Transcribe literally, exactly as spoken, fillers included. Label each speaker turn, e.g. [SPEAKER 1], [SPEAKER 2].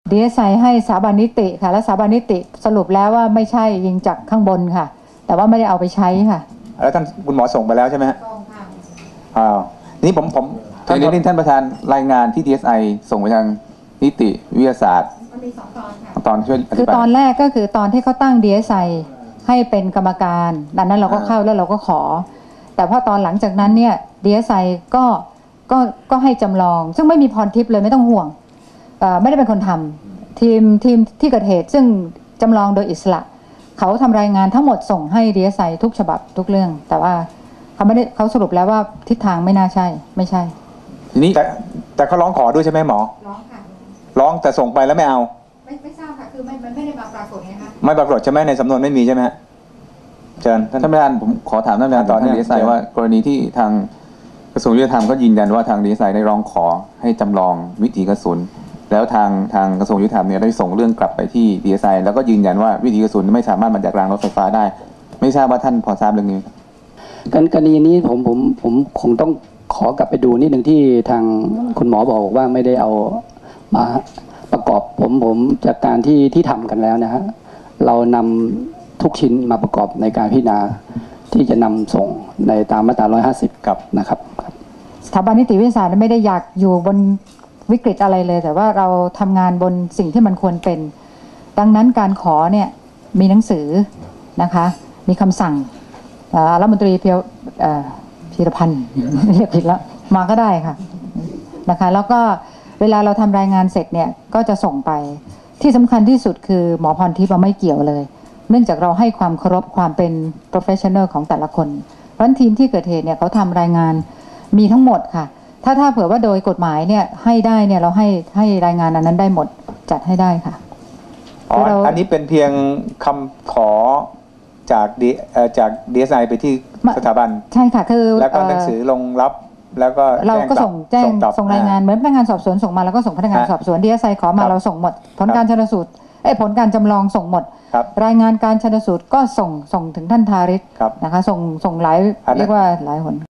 [SPEAKER 1] ดี เอส ไอ ให้สถาบันนิติค่ะและสถาบันนิติสรุปแล้วว่าไม่ใช่ยิงจากข้างบนค่ะแต่ว่าไม่ได้เอาไปใช้ค่ะ
[SPEAKER 2] แล้วท่านคุณหมอส่งไปแล้วใช่ไหมฮะส่งค่ะอ้าวนี่ผมผมท่านนี้ท่านประธานรายงานที่ ดี เอส ไอ ส่งไปทางนิติวิทยาศาสตร์มันมีสองตอนค่ะตอนช่วย
[SPEAKER 1] คือตอนแรกก็คือตอนที่เขาตั้ง ดี เอส ไอ ให้เป็นกรรมการดังนั้นเราก็เข้าแล้วเราก็ขอแต่พอตอนหลังจากนั้นเนี่ย ดี เอส ไอ ก็ก็ก็ให้จำลองซึ่งไม่มีพรทิพย์เลยไม่ต้องห่วงไม่ได้เป็นคนทำทีมทีมที่เกิดเหตุซึ่งจำลองโดยอิสระเขาทำรายงานทั้งหมดส่งให้ ดี เอส ไอ ทุกฉบับทุกเรื่องแต่ว่าเขาไม่ได้เขาสรุปแล้วว่าทิศทางไม่น่าใช่ไม่ใช่
[SPEAKER 2] ทีนี้แต่แต่เขาร้องขอด้วยใช่ไหมหมอ
[SPEAKER 1] ร้องค่ะ
[SPEAKER 2] ร้องแต่ส่งไปแล้วไม่เอา
[SPEAKER 1] ไม่ไม่ทราบค่ะคือมันมันไม่ได้มาปรากฏไงคะ
[SPEAKER 2] ไม่ปรากฏใช่ไหมในสำนวนไม่มีใช่ไหมฮะเชิญท่านประธานผมขอถามท่านประธานตอนนี้ ดี เอส ไอ ว่ากรณีที่ทางกระทรวงยุติธรรมก็ยืนยันว่าทาง ดี เอส ไอ ได้ร้องขอให้จำลองวิถีกระสุนแล้วทางทางกระทรวงยุติธรรมเนี่ยได้ส่งเรื่องกลับไปที่ ดี เอส ไอ แล้วก็ยืนยันว่าวิถีกระสุนไม่สามารถมาจากรางรถไฟฟ้าได้ไม่ทราบว่าท่านพอทราบเรื่องนี้
[SPEAKER 3] กันกรณีนี้ผมผมผมคงต้องขอกลับไปดูนิดหนึ่งที่ทางคุณหมอบอกว่าไม่ได้เอามาประกอบผมผมจากการที่ที่ทำกันแล้วนะฮะเรานำทุกชิ้นมาประกอบในการพิจารณาที่จะนำส่งในตามมาตราหนึ่งร้อยห้าสิบกับนะครับ
[SPEAKER 1] สถาบันนิติวิทยาศาสตร์ไม่ได้อยากอยู่บนวิกฤตอะไรเลยแต่ว่าเราทำงานบนสิ่งที่มันควรเป็นดังนั้นการขอเนี่ยมีหนังสือนะคะมีคำสั่งรัฐมนตรีเพียวพีรพันธ์เรียกผิดแล้วมาก็ได้ค่ะนะคะแล้วก็เวลาเราทำรายงานเสร็จเนี่ยก็จะส่งไปที่สำคัญที่สุดคือหมอพรทิพย์ไม่เกี่ยวเลยเนื่องจากเราให้ความเคารพความเป็น professional ของแต่ละคนเพราะทีมที่เกิดเหตุเนี่ยเขาทำรายงานมีทั้งหมดค่ะถ้าถ้าเผื่อว่าโดยกฎหมายเนี่ยให้ได้เนี่ยเราให้ให้รายงานอันนั้นได้หมดจัดให้ได้ค่ะ
[SPEAKER 2] อ๋ออันนี้เป็นเพียงคำขอจากดีจาก ดี เอส ไอ ไปที่สถาบัน
[SPEAKER 1] ใช่ค่ะคือ
[SPEAKER 2] แล้วก็หนังสือลงรับแล้วก็
[SPEAKER 1] เราก็ส่งแจ้งส่งรายงานเหมือนพนักงานสอบสวนส่งมาแล้วก็ส่งพนักงานสอบสวน ดี เอส ไอ ขอมาเราส่งหมดผลการชันสูตรไอ้ผลการจำลองส่งหมดรายงานการชันสูตรก็ส่งส่งถึงท่านทาริศนะคะส่งส่งหลายเรียกว่าหลายหน